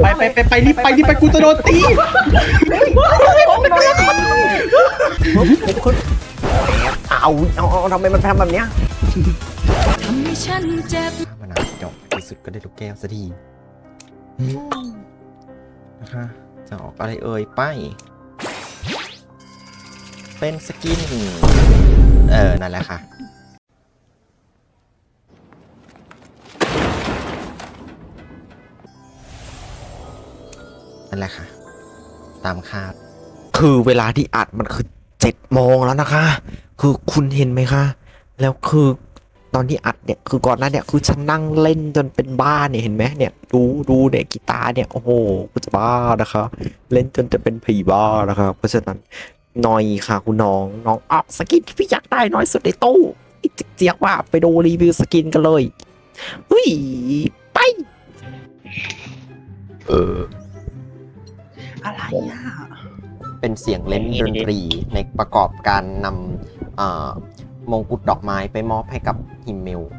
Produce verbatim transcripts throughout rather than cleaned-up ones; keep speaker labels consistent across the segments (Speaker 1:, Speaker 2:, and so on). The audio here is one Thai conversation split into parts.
Speaker 1: ไปไปไปไปรีบไปรีบไปกูจะโดนตี
Speaker 2: เอาเอาเอาทำไมมันทำแบบเนี้ย
Speaker 3: ทำให้ฉันเจ็บ
Speaker 2: มันหนาจบที่สุดก็ได้ลูกแก้วสักทีนะคะจะออกอะไรเอ่ยไปเป็นสกินเออนั่นแหละค่ะนั่นแหละค่ะตามคาดคือเวลาที่อัดมันคือเจ็ดโมงแล้วนะคะคือคุณเห็นไหมคะแล้วคือตอนที่อัดเนี่ยคือก่อนหน้าเนี่ยคือฉันนั่งเล่นจนเป็นบ้าเนี่ยเห็นไหมเนี่ยดูดูเนี่ยกีตาร์เนี่ยโอ้โหกูจะบ้านะคะเล่นจนจะเป็นผีบ้านะคะเพราะฉะนั้นหน่อยค่ะคุณน้องน้องออกสกินที่พี่อยากได้น้อยสุดในตู้อีกเจียกว่าไปดูรีวิวสกินกันเลยเฮ้ยไปเออ
Speaker 1: อะไรอ่ะ
Speaker 2: เป็นเสียงเล่นดนตรีในประกอบการนำเอ่อมงกุฎดอกไม้ไปมอบให้กับฮิมเมล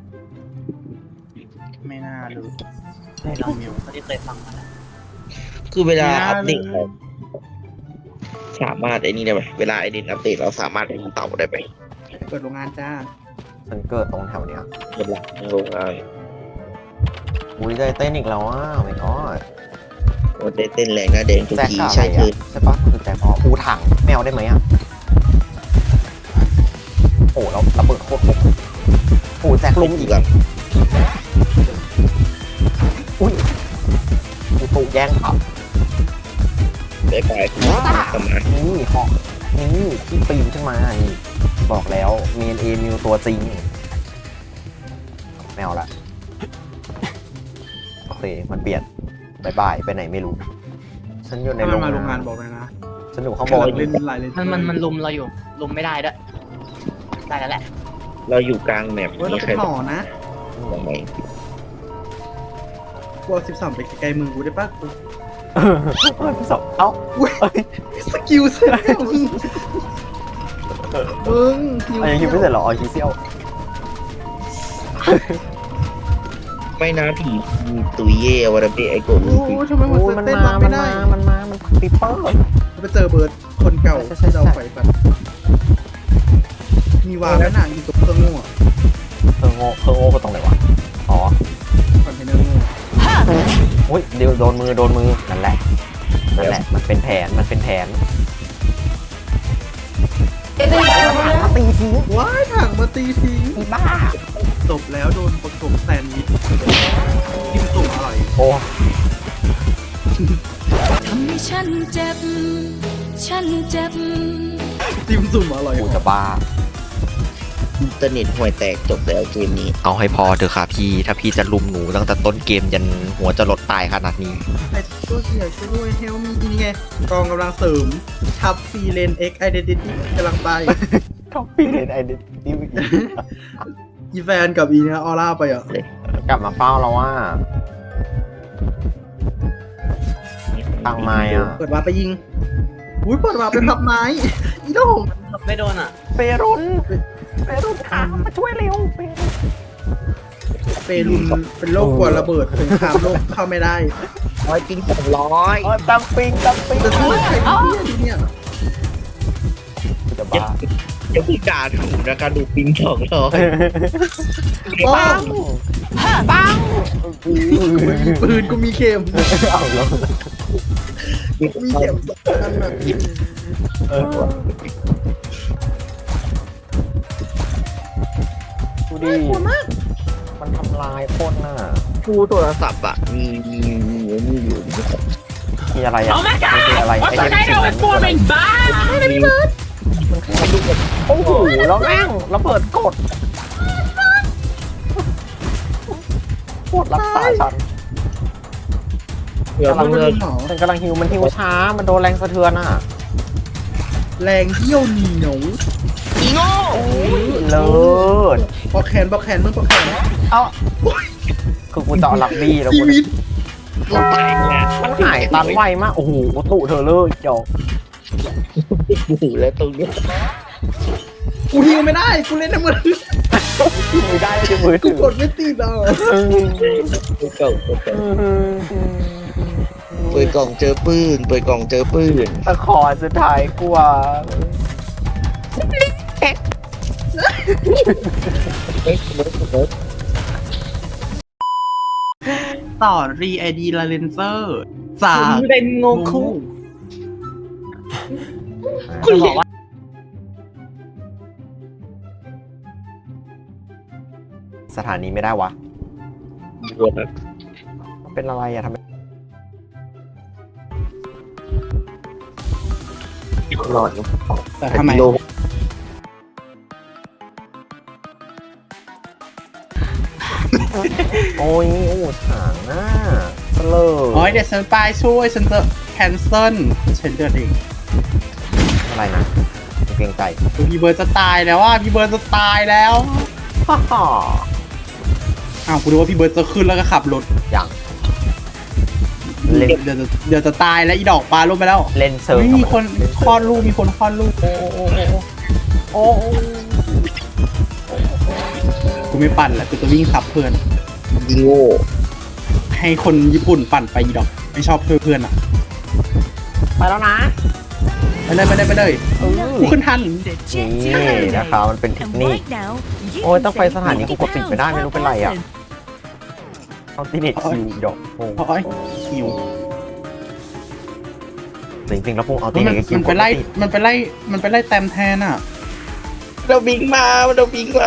Speaker 1: ไม่น่ารู้ไม่ลองมิวไม่ได้เคยฟังมาแล้ว
Speaker 4: คือเวลาอัปเดตเราสามารถไอ้นี่ได้ไหมเวลาไอเดนอัปเดตเราสามารถเป็นเต่าได้ไหม
Speaker 1: เปิดโรงงานจ้า
Speaker 2: ฉันเกิดตรงแถวเนี้ย
Speaker 4: เป็นหลักโรงงาน
Speaker 2: อุ้ยใจเต้นอีกแล้วอ่ะไม่ก็
Speaker 4: โอ้เต้นแรงนะเดนทุก
Speaker 2: แจ็ค
Speaker 4: ที
Speaker 2: อะไร
Speaker 4: ใช่คื
Speaker 2: อ่ะ
Speaker 4: อ
Speaker 2: ใช่ปะคือแจ็คพอปูถังแมวได้ไหมอ่ะโอ้แล้วระเบิดโคตรคมโอ้แจ็คลุมอีก
Speaker 4: หลัง
Speaker 2: อุ้ยกูถูกแย่งครับ
Speaker 4: ไปไปประมาณ
Speaker 2: นี่เหาะนี่ที่ปีนขึ้นมานี่บอกแล้วเมนเอมิวตัวจริงแมวละโอเคมันเปลี่ยนบายบายไปไหนไม่รู้ฉันอยู่ใน
Speaker 1: ถ้า
Speaker 2: โร
Speaker 1: มัน
Speaker 2: ง
Speaker 1: มาโรงงาง
Speaker 2: าน น
Speaker 1: บอกเลยนะ
Speaker 2: ฉันอยู่ข้างบ
Speaker 1: กำลั
Speaker 2: น
Speaker 1: งเล่นหลายเลย
Speaker 5: มันมันมันลุมเราอยู่ ลุมไม่ได้ด้วย ได้แล้วแหละ
Speaker 4: เราอยู่กลางแมป
Speaker 1: เฮ้ยเรา
Speaker 4: ไม่
Speaker 1: เป็
Speaker 4: ใช่
Speaker 1: นหมอนะ
Speaker 4: ตรงไหน
Speaker 1: กูเอาสิบสองไปไกลๆมือกูได้ปะกู
Speaker 2: สองเอ้า
Speaker 1: สกิลเสร็จแล้วมึงมึงคิว
Speaker 2: อันยังคิวไม่เสร็จเหรอออคิเซียว
Speaker 4: ไม่นะผีตุยเย่วาระเบะไอโกะ
Speaker 1: โอ้ทำไมมัน
Speaker 2: โอ้ยมัน
Speaker 1: เต้น
Speaker 2: มา
Speaker 1: รับ
Speaker 2: มั
Speaker 1: ไม่
Speaker 2: น
Speaker 1: ได้
Speaker 2: มา มันมา มันปีเปอร์
Speaker 1: ไปเจอเบิร์ดคนเก่า
Speaker 2: ใช่ใช่
Speaker 1: ที่
Speaker 2: ใช่
Speaker 1: เราไฟฟันมีวางแล้วหนังอยู่ตรงเครื่องโง่อะ
Speaker 2: เธอโง่เธอโง่ก็ตรงไหนวะ อ๋อ
Speaker 1: คอนเทนเนอร์โง่
Speaker 2: อุ้ยเดี๋ยวโดนมือ โดนมือ นั่นแหละ นั่นแหละ มันเป็นแผน มันเป็นแผนมาตีทิ้ง
Speaker 1: ว้ายถังมาตีทิ้ง
Speaker 2: อีบ้า
Speaker 1: จบแล้วโดนประกบแซนด์วิชกินตุ่มอร่อย
Speaker 2: โอ้
Speaker 3: ทำให้ฉันเจ็บ ฉันเจ็บ
Speaker 1: จิ้มจุ่มอร่อย
Speaker 2: กูจะบ้า
Speaker 4: อินเทอร์เน็ตห่วยแตกจบแล้วเกมนี้
Speaker 2: เอาให้พอเถอะค่ะพี่ ถ้าพี่จะลุมหนูตั้งแต่ต้นเกมยันหัวจะลดตายขนาดนี้
Speaker 1: ไอ้ตัวเสียช่วยเฮลมีนี่ไงกองกำลังเสริมทับซีเลนเอ็กไอเดนติตี้กำลังไป
Speaker 2: ท็อปปี้เลยไอเดนติ
Speaker 1: อีแฟนกับอีเนี้ยออร่าไปอ่ะ
Speaker 2: กลับมาเฝ้าแล้วว่าตังไม้อ่ะ
Speaker 1: เปิดวาร์ปไปยิงอุ้ยเปิดวาร์ปไปพับไม้ อีโดง
Speaker 5: ไม่โดนอ่ะ
Speaker 2: เปรุนเปรุนค่ะมาช่วยเร็วเปรุน
Speaker 1: เปรุนเป็นโรคกลัวระเบิดสงครามโลกเข้าไม่ได้
Speaker 4: ร้อยจริงสองร้อย
Speaker 2: เออตังปิงตังปิง
Speaker 1: จะช่วยใครเนี่ยดูเนี่ย
Speaker 2: จะบ้า
Speaker 4: จะพูดด่าถูกนะคะดูปิงสองร้อย
Speaker 1: ปัง
Speaker 2: ปัง
Speaker 1: ปืนกูมีเข็ม
Speaker 2: เอาแล้ว
Speaker 1: กูมีเข็มสองอันน่ะ
Speaker 2: เออดูดิมันทำลายคนน่ะ
Speaker 4: ผู้โทรศัพท์อ่ะมีมีมีมีอยู่นะครับ
Speaker 2: มีอะไรอ่ะมีอะไรไอเทมสิ่งนั้นคืออะไรโอ้โหแล้วแม่งระเบิดกดกดรักษาฉัน
Speaker 4: เพื่อก
Speaker 2: ำลัง
Speaker 4: เพื่อ
Speaker 1: หมอ
Speaker 2: ฉันกำลังฮิวมันฮิวช้า มันโดนแรงสะเทือนอ่ะ
Speaker 1: แรงเยี่ยวเหนียว
Speaker 4: อีโง่
Speaker 2: เลิศ
Speaker 1: ปอกแขนปอกแขนมึงปอกแขน
Speaker 2: เอ้าคือกูจะเอาลักบี้แล้ว
Speaker 1: ชี
Speaker 2: กู
Speaker 1: วิต
Speaker 4: ตัวตายเนี่ย
Speaker 2: มันหายตันไวมาก โอ้โหตุเธอเลยเดี๋ยว
Speaker 4: โอ้โหแล้วตรงเนี้ย
Speaker 1: กูฮิวไม่ได้กูเล่นในมือถือ
Speaker 2: ไม่ได้จะมือ
Speaker 1: กู
Speaker 2: ถือก
Speaker 1: ดไม่ติดอ่ะ
Speaker 4: ตัวเก่าตัวเก่าเปิดกล่องเจอปืนเปิดกล่องเจอปืน
Speaker 2: ตะขอสุดท้ายกว่า
Speaker 4: เอ๊ะเบิร์ดเบิร์ด
Speaker 1: ต่อรีไอดีลาเลนเซอร์จาก
Speaker 5: คุณเป็นโงคุ
Speaker 4: คุณ
Speaker 5: จะบอกว่า
Speaker 2: สถานีไม่ได้วะ
Speaker 4: รวมนะ
Speaker 2: เป็นอะไรอะทำไม
Speaker 4: หลอด
Speaker 1: แต่ทำไม
Speaker 4: โล
Speaker 2: โอ้ยโอ้ถางหน้าเสลอ
Speaker 1: โอ้ยเดี๋ยวฉันไปช่วยฉันจะแคนเซิลฉันเดินเอง
Speaker 2: อะไรนะเกรงใจ
Speaker 1: พี่เบิร์ดจะตายแล้วว่าพี่เบิร์ดจะตายแล้ว
Speaker 2: ฮ่าฮ่า
Speaker 1: อ้าวกูรู้ว่าพี่เบิร์ดจะขึ้นแล้วก็ขับรถ
Speaker 2: อย่าง
Speaker 1: เดี๋ยวเดี๋ยวจะเดี๋ยวจะตายแล้วอีดอกปลาลงไปแล้ว
Speaker 2: เล่นเซิร์ฟ
Speaker 1: ไม่มีคนคลอดลูกมีคนคลอดลูก
Speaker 2: โอ้โอ้
Speaker 1: กูไม่ปั่นแล้วกูจะวิ่งขับเพื่อน
Speaker 4: ยิงโง่
Speaker 1: ให้คนญี่ปุ่นปั่นไปอีดอกไม่ชอบช่วยเพื่อนอ่ะ
Speaker 2: ไปแล้วนะ
Speaker 1: ไปเลยไปเลยไปเลย
Speaker 2: เออ
Speaker 1: กูขึ้นทัน
Speaker 2: นี่นะคะมันเป็นเทคนิค โอ้ยต้องไปสถานีกูกดปิดไม่ได้ไม่รู้เป็นไรอะ เอาติเน็ตคิวดอกโอ้
Speaker 1: โอ้ยหิว
Speaker 2: จริงๆแล้วพวกเอาติ
Speaker 1: มัน
Speaker 2: เน็ตคิว
Speaker 1: มันไปไล่มันไปไล่มันไปไล่แต้มแทนอ่ะ
Speaker 4: เราบิงมาเราบิงมา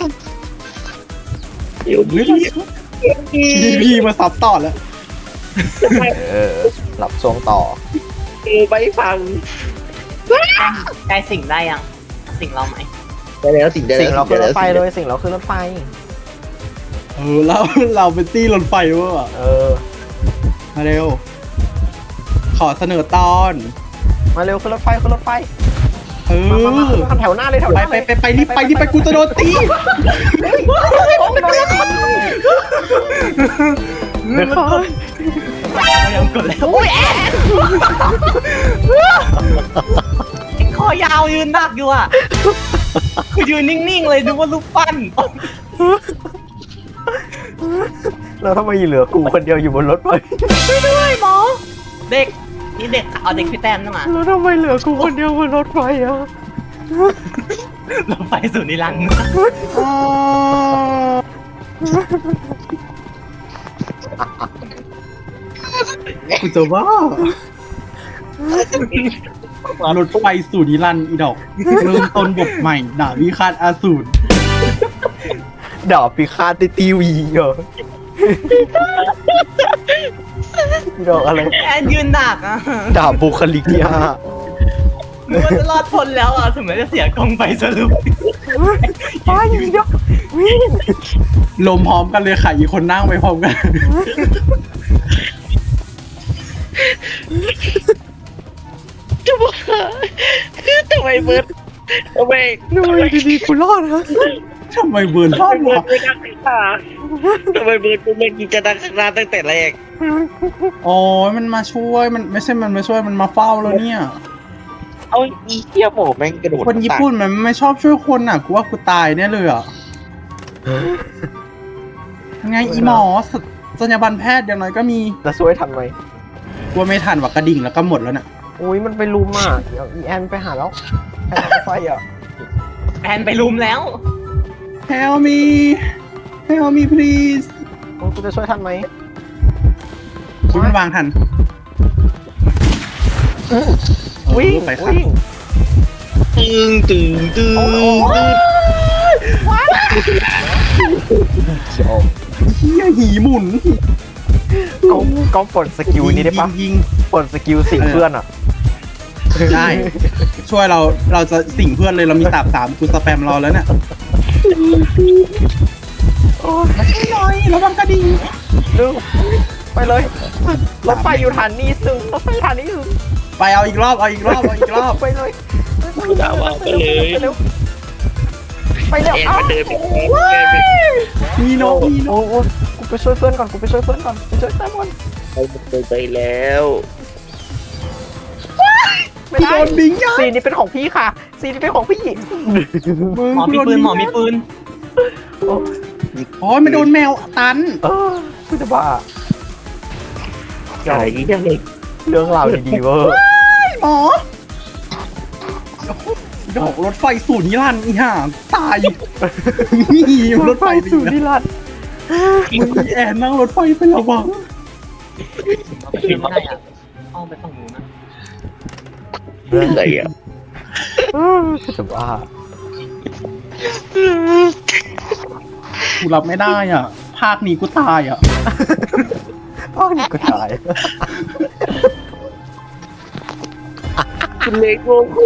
Speaker 4: เดี๋ยว
Speaker 1: เฮ้ย
Speaker 4: นี้
Speaker 1: พีพีมาซับต่อแล้ว
Speaker 2: เออหลับช่วงต่อ
Speaker 4: เออไปฟัง
Speaker 5: ใกล้สิ่งได้ยัง สิ่งเราไหม
Speaker 4: ได้แล้วสิ่งได้
Speaker 2: สิ่ง
Speaker 4: แล้ว
Speaker 2: เราขึ้นรถไฟเลยสิ่งเราขึ้นรถไฟ
Speaker 1: เออเราเราเป็นตี้รถไฟเวอร์อะ
Speaker 2: เออ
Speaker 1: มาเร็ว ขอเสนอตอน
Speaker 2: มาเร็วขึ้นรถไฟขึ้นรถไฟ
Speaker 1: เอ
Speaker 2: มามามา
Speaker 1: อ
Speaker 2: มาแถวหน้าเลยแถวห
Speaker 1: ไป
Speaker 2: น้า
Speaker 1: ไป
Speaker 2: เลย
Speaker 1: ไปไปรีบไปรีบไปกูจะโดนตี
Speaker 2: เดี๋ยวก่อน
Speaker 5: เรายังกดแล้วอุ้ยแอนคอยาวยืนดักอยู่อ่ะคือยืนนิ่งๆเลยนึกว่าลูกปั้น
Speaker 2: แล้วทำไมเหลือกูคนเดียวอยู่บนรถไฟ
Speaker 5: ด้วยหมอ เด็ก นี่เด็กเอาเด็กพี่แต้มนั่งมา
Speaker 2: แล้วทำไมเหลือกูคนเดียวบนรถไฟอ่ะ
Speaker 5: เราไปสู่นิรันดร์
Speaker 1: อ๋อกูจะว่ารถไฟสู่นิรันดร์อีดอก เริ่มต้นบทใหม่ดาบวิฆาตอาสูร
Speaker 2: ดาบพิฆาตในทีวีเหรอดอกอะไร
Speaker 5: แอนยืนดักอ่ะ
Speaker 2: ดาบบุคลิกที่ห้า
Speaker 5: นึกว่าจะรอดพ้นแล้วอ่ะถึงแม้จะเสียกองไปสรุป
Speaker 2: ไปอีกเดียววิ่ง
Speaker 1: ลมพร้อมกันเลยค่ะอีกคนนั่งไปพร้อมกัน
Speaker 4: จะบอกทำไมเบิร์ดทำไม
Speaker 2: ทำไมดีๆกูรอดฮะ
Speaker 1: ทำไมเบิร์น
Speaker 4: ทำไมเบิร์ดไม่ดังข้างหน้าทำไมเบิร์ดกูไม่กินจะดังข้างหน้าตั้งแต่แรก
Speaker 1: โอ้ยมันมาช่วยมันไม่ใช่มันมาช่วยมันมาเฝ้าแล้วเนี่ย
Speaker 4: เอาอีเหี้ยหมอแม่งกระโดด
Speaker 1: คนญี่ปุ่นมันไม่ชอบช่วยคนอ่ะกูว่ากูตายแน่เลยอ่ะยังไงอีหมอสัสัญญาบันแพทย์อย่างน้อยก็มี
Speaker 2: จะช่วยทันไหม
Speaker 1: กูว่าไม่ทันว่ะกระดิ่งแล้วก็หมดแล้วน่ะ
Speaker 2: อุ้ยมันไปลุมอ่ะเดี๋ยวอีแอนไปหาแล้วแอนเอาไฟอ่ะ
Speaker 5: แอนไปลุมแล้ว
Speaker 1: Help me Help me please
Speaker 2: โอ้กูจะช่วยทันไหม
Speaker 1: กูไม่วางทัน
Speaker 2: วิ่ง
Speaker 1: เออไปครับ
Speaker 2: วิ่ง
Speaker 4: ตึงตึงตึง
Speaker 2: โอ้โห ชอบ
Speaker 1: เฮียหีหมุน
Speaker 2: ก็ก็ปลดสกิลนี้ได้ปะ
Speaker 1: ยิง
Speaker 2: ปลดสกิลสิ่งเพื่อนอ่ะ
Speaker 1: ยิงได้ ช่วยเราเราจะสิ่งเพื่อนเลยเรามีตาบสามกูสแปมรอแล้วเนี่ยมาช่วยหน่อยระวังกระดิ่ง
Speaker 2: ดึงไปเลยรถไฟอยู่ฐานนี้ซึ่งรถไฟฐานนี้ซึ่ง
Speaker 1: ไปเอาอีกรอบเอาอีกรอบเอาอีกรอบ
Speaker 2: ไปเลย
Speaker 4: ด่าว่าไปเลย
Speaker 2: ไปเร็วไปเร็ว
Speaker 4: เอ็น
Speaker 2: เอ้า
Speaker 4: มาเดินไปเดินไป
Speaker 1: มีนกมีน
Speaker 2: โอ้
Speaker 1: ก
Speaker 2: โหกูไปช่วยเพื่อนก่อนกูไปช่วยเพื่อนก่อนไปช่วยแซมก่อน
Speaker 4: ไปแล้ว
Speaker 2: ไม่
Speaker 1: กู
Speaker 2: ได้
Speaker 1: โดนบิงยั
Speaker 2: ซีนนี้เป็นของพี่ค่ะซีนนี้เป็นของพี่
Speaker 5: หมอมีปืนหมอมีปืน
Speaker 1: โอ้ยมันโดนแมวตัน
Speaker 2: เออกูจะบ้า
Speaker 4: ใช่ยี่ห้อเล็ก
Speaker 2: เรื่องราวดีๆเวอร์
Speaker 1: หมอดอกรถไฟสูตรนิรันดร์อีห่าตายนี่รถไฟ
Speaker 2: สู่นิรันดร์
Speaker 1: มึงมีแอนนั่งรถไฟไปแล้ววะ
Speaker 5: เราไปขึ้นไม่ได้อ่ะอ้อมไปฝั่งนู้นนะ
Speaker 4: อะไรอ่ะ
Speaker 2: จะบ้า
Speaker 1: กูรับไม่ได้อ่ะ ภาคนี้กูตายอ่ะ
Speaker 2: อ้าวนี่ก็ตาย
Speaker 4: คุณเล็กโกคู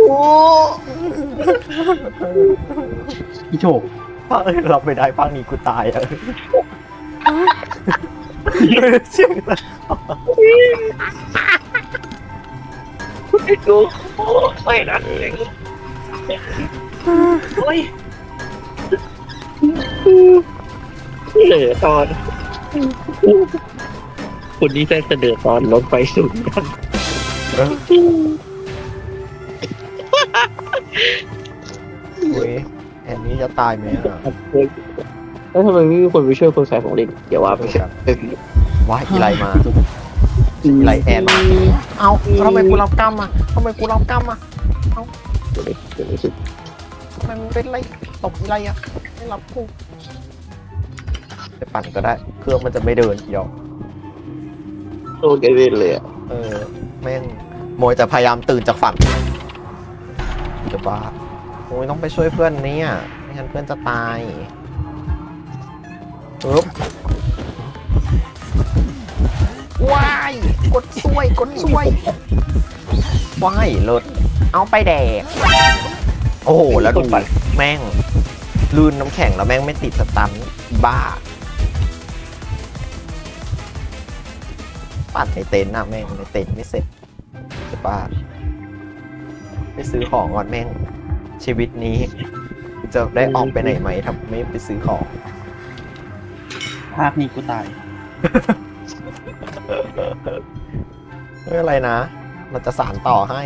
Speaker 1: พี่โชค
Speaker 2: ภารับไม่ได้ภาคนี้กูตายอ่ะเสียงนะ
Speaker 4: คุณเล็กโกคูไม่นะเล็ก
Speaker 5: โอ้ย
Speaker 4: เหลือตอนคุณนี่ได้เสนอตอนรถไฟสูงกัน
Speaker 2: เว้ยแอนนี้จะตายไหมอ่ะ
Speaker 4: แล้วทำไมไม่มีคนไปช่วยคนขายของเล่นเดี๋ยวว่าไปครับ
Speaker 2: ว้ายอีไลมาอีไลแอนมาเอาทำไมกูรับกรรมอ่ะทำไมกูรับกรรมอ่ะทำไมมันเป็นไรตกอีไลอ่ะไม่รับกูไปปั่นก็ได้เครื่องมันจะไม่เดินเดี๋ยว
Speaker 4: โอ้แกเล่นเลยอ่ะ
Speaker 2: เออแม่งโมยแต่พยายามตื่นจากฝันจะบ้าโอ้ยต้องไปช่วยเพื่อนเนี่ยไม่งั้นเพื่อนจะตายปึ๊บว้ายกดช่วยกดช่วยว้ายเลิศเอาไปแดกโอ้โหแล้วดูแม่งลื่นน้ำแข็งแล้วแม่งไม่ติดสตันบ้าปั่นในเต็นท์นะแม่งในเต็นท์ไม่เสร็จจะบ้าไปซื้อของก่อนแม่งชีวิตนี้จะได้ออกไปไหนไหมถ้าไม่ไปซื้อของ
Speaker 1: ภาคนี้กูตาย
Speaker 2: ไม่เป็นไรนะ เราจะสานต่อให้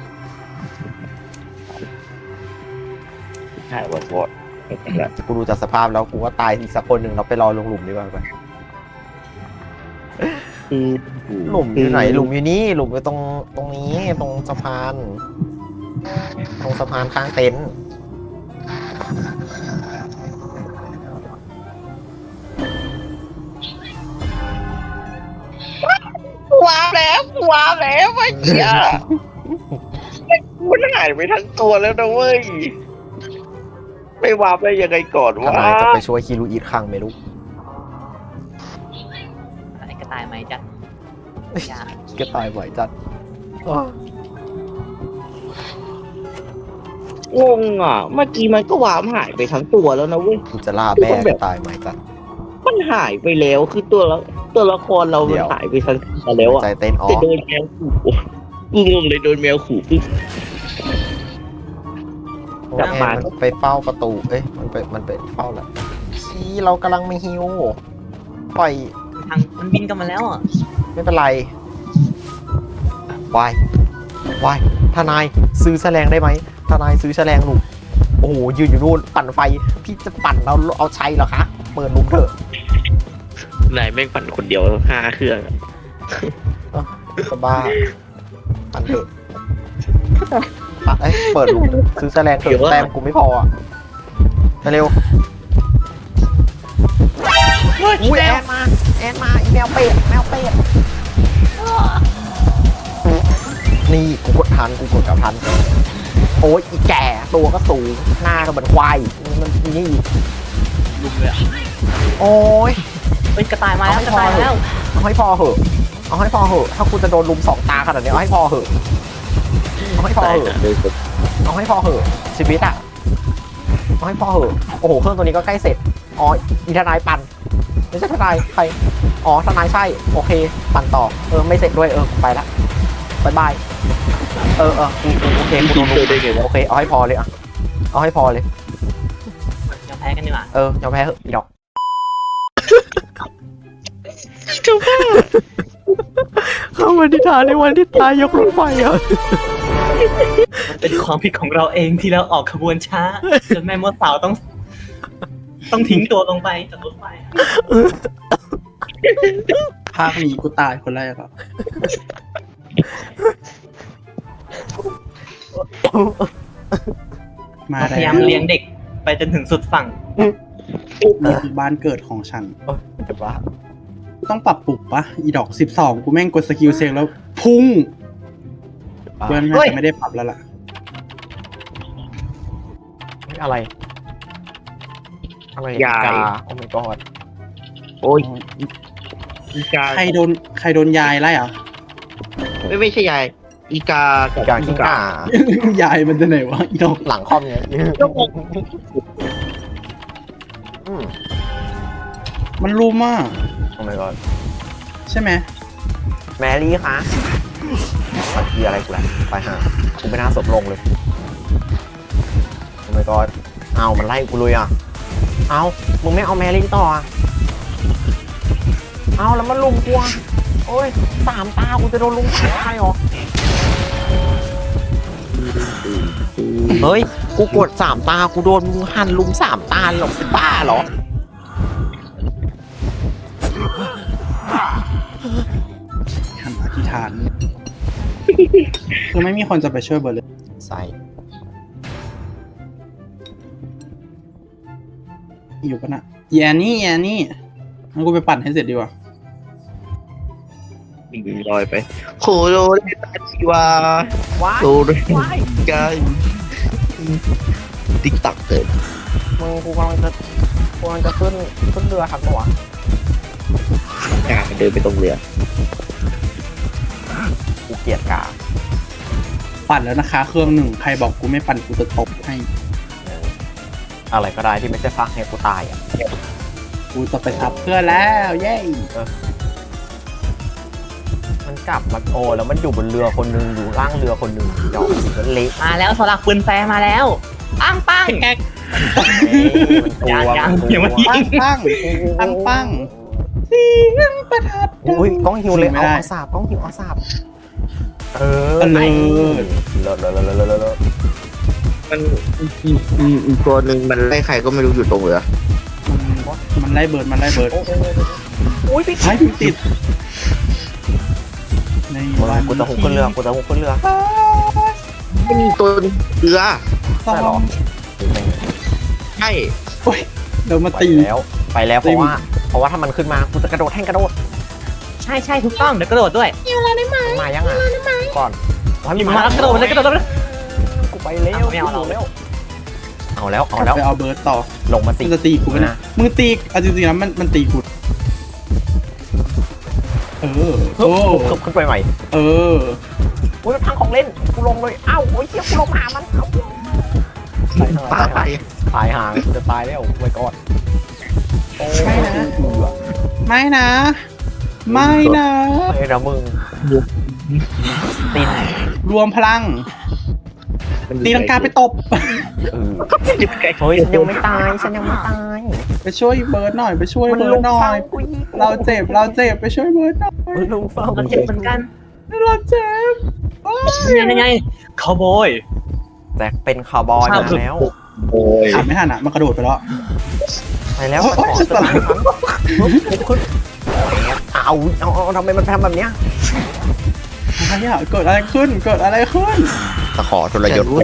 Speaker 4: ใช่บอดบอด
Speaker 2: กูดูจากสภาพแล้วกูว่าตายอีกสักคนหนึ่งเราไปรอลงหลุมดีกว่าไปหลุมอยู่ไหนหลุมอยู่นี่หลุมอยู่ตรงตรงนี้ตรงสะพาน ตรงสะพานข้างเต็นท์
Speaker 4: ว้าวแล้วว้าวแล้วไอ้เหี้ยมันหายไปทั้งตัวแล้วนะเว้ยไม่วาร์ปได้ยังไงก่อน
Speaker 2: ท
Speaker 4: วะ
Speaker 2: นายจะไปช่วยคิรุอิคังไม่รู้
Speaker 5: ไอ้กระต่ายไหมจัดยาก
Speaker 2: ก็ตายบ่อยจัดอ้อง
Speaker 4: งอ่ะเมื่อกี้มันก็วาร์ปหายไปทั้งตัวแล้วนะเว้ย
Speaker 2: กูจะล่าแม่ก็ตายไหมจัด
Speaker 4: มันหายไปแล้วคือตัวละตัวละครเรา
Speaker 2: เดี๋
Speaker 4: มัน
Speaker 2: ยว
Speaker 4: หายไปทั้งตัวแล้วอ่ะ
Speaker 2: ใจเต้นอ๋อ
Speaker 4: แต่โดนแมวขู่กูงงเลยโดนแมวขู่ปุ๊บ
Speaker 2: โอ้แอนมันไปเฝ้าประตู เอ้ย มันไปมันไปเฝ้าแหละชี้เรากำลังไม่ฮิวปล่อย
Speaker 5: ทางมันบินกลันมาแล้วอ่ะ
Speaker 2: ไม่เป็นไร วายวายทนายซื้อแฉลงได้ไหมทนายซื้อแฉลงหนูโอ้โห ยืนอยู่นู่น ปั่นไฟ พี่จะปั่นเราเอาใช้เหรอคะ เปิดลุมเถอะ
Speaker 4: นายแม่งปั่นคนเดียวห้าเครื่อง
Speaker 2: จะบ้า ปั่นเถอะปั่นเอ้ยเปิดลุมซื้อแฉลงเถอะแต้มกูไม่พออ่ะมาเร็วอุ้ยแอนมา แอนมาอีแมวเป็ดแมวเป็ด นี่กูกดทันกูกดกับทันโอ้ยอีแก่ตัวก็สูงหน้าก็เหมือนควายมันนี่
Speaker 5: ลุมเลยอ่ะ
Speaker 2: โอ้ย
Speaker 5: เอ้ยกระต่ายมาแล้วกระต่ายมาแล้ว
Speaker 2: เอาให้พอเหอะเอาให้พอเหอะถ้าคุณจะโดนลุมสองตาขนาดนี้เอาให้พอเหอะเอาให้พอเหอะเอาให้พอเหอะชีวิตอะเอาให้พอเหอะโอ้โหเครื่องตัวนี้ก็ใกล้เสร็จอ๋ออีทนายปั่นไม่ใช่ทนายใครอ๋อทนายใช่โอเคปั่นต่อเออไม่เสร็จด้วยเออไปละบายบายเออเออกูกูโอเคกูโดนลุมโอเคเอาให้พอเลยอะเอาให้พอเลย
Speaker 5: ยอมแพ้กันดีกว่า
Speaker 2: เออยอมแพ้เหอะอีดอก เข้ามาที่ฐานในวันที่ตายยกรถไฟอ่ะ
Speaker 5: มันเป็นความผิดของเราเองที่เราออกขบวนช้าจนแม่มดสาวต้อง ต้องทิ้งตัวลงไปจากรถไฟอะ
Speaker 1: ภาคนี้กูตายคนแรกอ่ะมา
Speaker 5: พยายามเลี้ยงเด็กไปจนถึงสุดฝั่ง
Speaker 1: นี่คือบ้านเกิดของฉัน
Speaker 2: โอ๊ยจะบ้า
Speaker 1: ต้องปรับปรุงปะอีดอกสิบสองกูแม่งกดสกิลเซงแล้ว พุ่ง
Speaker 2: จะบ้า
Speaker 1: เพื่อน
Speaker 5: เฮ้
Speaker 1: น่าย จะไม่ได้ปรับแล้วล่ะ
Speaker 2: เฮ้ยอะไร อะไร
Speaker 4: ยาย
Speaker 2: กาโอ้ my god
Speaker 4: โอ้ยอีกา
Speaker 1: ใครโดนใครโดนยายไล่อ่ะ
Speaker 4: ไม่ไม่ใช่ยายอีกา
Speaker 2: อีกาขี้กาย
Speaker 1: ายมันจะไหนวะอีดอก
Speaker 2: หลังคอมไงอืม
Speaker 1: มันรู้มาก
Speaker 2: โอ้ my god
Speaker 1: ใช่ไหม
Speaker 2: แมรี่คะมาทีอะไรกูแหละไปหากูไม่น่าสบลงเลยโอ้ my god เอามันไล่กูเลยอ่ะเอามึงไม่เอาแมรี่ต่ออ่ะเอาแล้วมันลุมกูอ่ะโอ้ยสามตากูจะโดนลุมตายเหรอเฮ้ยกูกดสามตากูโดนมึงหั่นลุมสามตาหรอกเป็นบ้าเหรอ
Speaker 1: หันอธิษฐาน คือไม่มีคนจะไปช่วยเบอร์เลย
Speaker 2: ใส่
Speaker 1: อยู่ปะนะอีแอนนี่อีแอนนี่งั้นกูไปปั่นให้เสร็จดีกว่า
Speaker 4: มีลอยไปโคโรเดตาชิวา
Speaker 2: ว้าย
Speaker 4: โคโรกาติ๊กตักเกิด
Speaker 2: มึงกูกำลังจะกูกำลังจะขึ้นขึ้นเรือครับตัว
Speaker 4: กาเดินไปตรงเรือ
Speaker 2: กูเกลียดกา
Speaker 1: ปั่นแล้วนะคะ เครื่องหนึ่งใครบอกกูไม่ปั่นกูจะตบให้
Speaker 2: อะไรก็ได้ที่ไม่ใช่ฟักให้กูตายอ่ะ
Speaker 1: กูจะไปทับเพื่อนแล้วเย้
Speaker 2: มันกลับมาโอแล้วมันอยู่บนเรือคนหนึงอยู่ล่างเรือคนหนึงดอกมันเละ
Speaker 5: มาแล้วสลักปืนแฟร์มาแล้วปังปัง
Speaker 2: เอ้ยมันกลัว
Speaker 5: ยัง
Speaker 2: มันก
Speaker 5: ยังไม่
Speaker 2: ลัว
Speaker 5: ยิ
Speaker 1: ปังปังปังปังเสียงประทัด
Speaker 2: อุ้ยกล้องหิวเลย
Speaker 1: ไม่
Speaker 2: เอา
Speaker 1: ได้
Speaker 2: เอาสาบกล้องหิวเอาสาบเออ
Speaker 1: เลิศ
Speaker 2: เลิศเลิศเลิศเลิศเลิศเลิศ
Speaker 4: มันอีกอีกตัวหนึ่งมันไล่ใครก็ไม่รู้อยู่ตรงเรือ
Speaker 1: มันมันไล่เบิร์ดมันไล่เบิร์ด
Speaker 2: โอ้ยพี่
Speaker 1: ไอ้พี่ติดใน
Speaker 2: มึง
Speaker 1: วัน
Speaker 2: กูจะหุบขึ้นเรือกูจะหุบขึ้นเรือ
Speaker 4: ไม่มีตัวเรือ
Speaker 1: ต้อ
Speaker 2: ใช่เหรอ
Speaker 1: ง
Speaker 4: ใช่
Speaker 1: โอ้ยเดี๋ยวมา
Speaker 2: ไป
Speaker 1: ตี
Speaker 2: แล้วไปแล้วเพราะว่าเพราะว่าถ้ามันขึ้นมากูจะกระโดดแท่งกระโดด
Speaker 5: ใช่ใช่ถูกต้องเดี๋ยวกระโดดด้วย
Speaker 2: มันมายังอ่ะก่อนให้
Speaker 5: หยิบ
Speaker 2: น
Speaker 5: มาแล้วกระโดดเลยกระโดดเลย
Speaker 2: กูไปเร็ว
Speaker 5: ไม่เอาเรา
Speaker 2: เร็วเอาแล้วเอาแล้ว
Speaker 1: ไปเอาเบิร์ดต่อ
Speaker 2: ลงมา
Speaker 1: มึ
Speaker 2: สิ
Speaker 1: งจะตีกูไหมนะมึงตีเอาจริงๆแล้วมันมันตีกูเออ
Speaker 2: โอ้
Speaker 1: โอ้
Speaker 2: ขึ้นไปใหม่
Speaker 1: เออ
Speaker 2: อุ้ยมันพังของเล่นกูลงเลยเอ้าโอ้ยเชี่ยกูลงหามันเอ้าตาย
Speaker 4: ตาย
Speaker 2: ตายห่างจะตายแล้วไว้ก่อนโอ้ย
Speaker 1: ไม่นะ ไม่นะ ไม่นะ
Speaker 2: เฮ้ยนะมึงตีน
Speaker 1: รวมพลัง ตีลังกาไปตบ
Speaker 2: เออเฮ้ยฉันยังไม่ตายฉันยังไม่ตาย
Speaker 1: ไปช่วยเบิร์ดหน่อยไปช่วย
Speaker 2: มัน
Speaker 1: เบิ
Speaker 2: ลุ
Speaker 1: ร์ด
Speaker 2: ม
Speaker 1: หน่อ
Speaker 2: เฝ้าย กูอีก
Speaker 1: เราเจ็บเราเจ็บไปช่วยเบิร์ดหน่อย
Speaker 2: มันลุมเฝ้า
Speaker 5: เราเจ็บเหมือนกัน
Speaker 1: เราเจ็บโอ้ย
Speaker 5: ยังไงยังไงคาวบอย
Speaker 2: แต่เป็นคาวบอยมาแล้ว
Speaker 4: โอ้ย
Speaker 1: อ่านไม่ทันอ่ะมันกระโดดไปแล้ว
Speaker 2: ไปแล้ว
Speaker 1: โอ๊ย
Speaker 2: ขอสลายครั้งคุณเอาเอาเอาทำไมมันทำแบบเนี้ย
Speaker 1: อะไรอ่ะเกิดอะไรขึ้นเกิดอะไรขึ้น
Speaker 4: ตะขอทรยศกู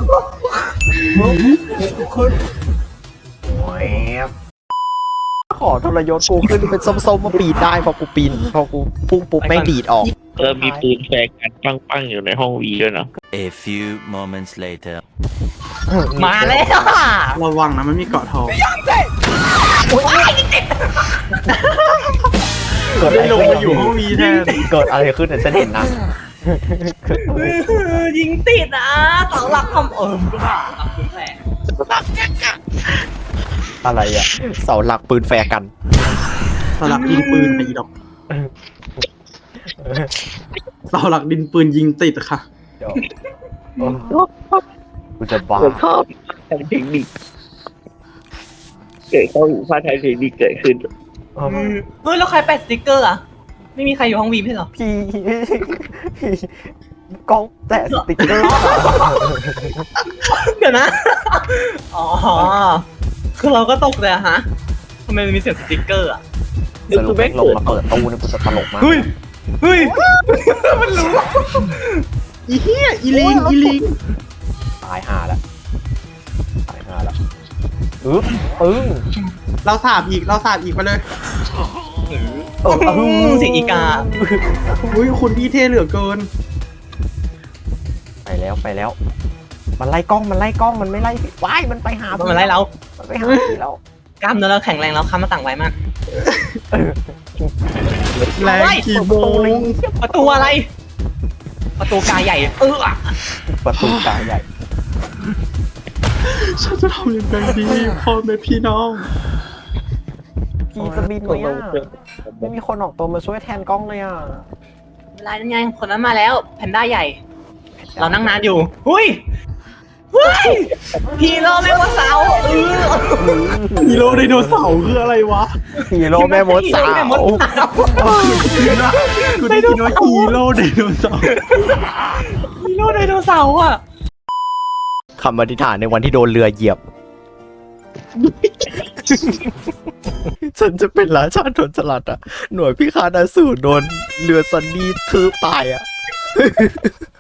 Speaker 2: ขอทรยศกูขึ้นเป็นส้มๆมาปีนได้พอกูปีนพอกูพุ่งปุ๊บแม่งดีดออก
Speaker 4: เออมีปืนแฟร์กันปังๆอยู่ในห้องวีด้วยนะ
Speaker 6: A few moments later.
Speaker 5: มาแล้วอะ
Speaker 1: ระวังนะมันมีเกาะทอง
Speaker 2: เกิดอะไร
Speaker 1: ลง
Speaker 2: ขึ้น
Speaker 1: มาอยู่ห้องวีแทน
Speaker 2: เกิดอะไรขึ้นเนี่ยฉันเห็นนะ
Speaker 5: ยิงติดอ่ะเสาหลักคำเออสลักปืนแฟร์
Speaker 2: อะไรอ่ะเสาหลักปืนแฟร์กัน
Speaker 1: เสาหลักดินปืนไปอีดอกเสาหลักดินปืนยิงติดค่ะ
Speaker 2: เดี๋ยวกูจะบ้า
Speaker 4: ผมชอบทางเทคนิคเกิดเข้าพาทางเทคนิคเกิดขึ้น
Speaker 2: เออ
Speaker 5: เฮ้ยแล้วใครแปะสติ๊กเกอร์อ่ะไม่มีใครอยู่ห้องวีไม่ใช่เหรอ
Speaker 2: พี่พี่กล้องแตะสติ๊กเกอร์
Speaker 5: เดี๋ยวนะอ๋อคือเราก็ตกเลยอะฮะทำไมมันมีเสียงสติ๊กเกอร์อ่ะ
Speaker 2: สรุปแม่งลงมาเปิดตู้นี่กูจะตลกมาก
Speaker 5: เฮ้ยเฮ้ย มันรู้
Speaker 1: อีเหี้ยอีลิงอีลิง
Speaker 2: ตายห่าแล้วตายห่าแล้วอึ๊บปึ้ง
Speaker 1: เราสาบอีกเราสาบอีกไปเลย
Speaker 2: เออ
Speaker 5: อืมเสียงอีกา
Speaker 1: อุ้ยคุณพี่เท่เหลือเกิน
Speaker 2: ไปแล้วไปแล้ว มันไล่กล้องมันไล่กล้องมันไม่ไล่พี่ว้ายมันไปหา
Speaker 5: มันมาไล่เรา
Speaker 2: มันไปหาพี่แล้ว
Speaker 5: กล้ามเนื้อเราแข็งแรงแล้วค้ำมาต่างไวมาก
Speaker 1: แรงกี่โมง
Speaker 5: ประตูอะไร ประตูกาใหญ่ เออ
Speaker 2: ประตูตาใหญ่
Speaker 1: ฉันจะทำยังไงดีพ่อแม่พี่น้อง
Speaker 2: พี่จะบินไหมอ่ะไม่มีคนออกตัวมาช่วยแทนกล้องเลยอ่ะ
Speaker 5: เวลานั้นไงคนนั้นมาแล้ว แพนด้าใหญ่ เรานั่งนานอยู่หุ้ยเฮ้ยฮีโร่แม่วัวสาวเออ
Speaker 1: ฮีโร่ไดโนเสาร์คืออะไรวะ
Speaker 2: ฮีโร่แม่มดสาว
Speaker 5: แม่มดสาว
Speaker 1: กูได้ยินว่าฮีโร่ไดโนเสาร์
Speaker 5: ฮีโร่ไดโนเสาร์อ่ะ
Speaker 2: คำอธิษฐานในวันที่โดนเรือเหยียบ ฉันจะเป็นราชาโดนสลัดอ่ะ หน่วยพิฆาตอสูรโดนเรือซันนี่ทืบตายอ่ะ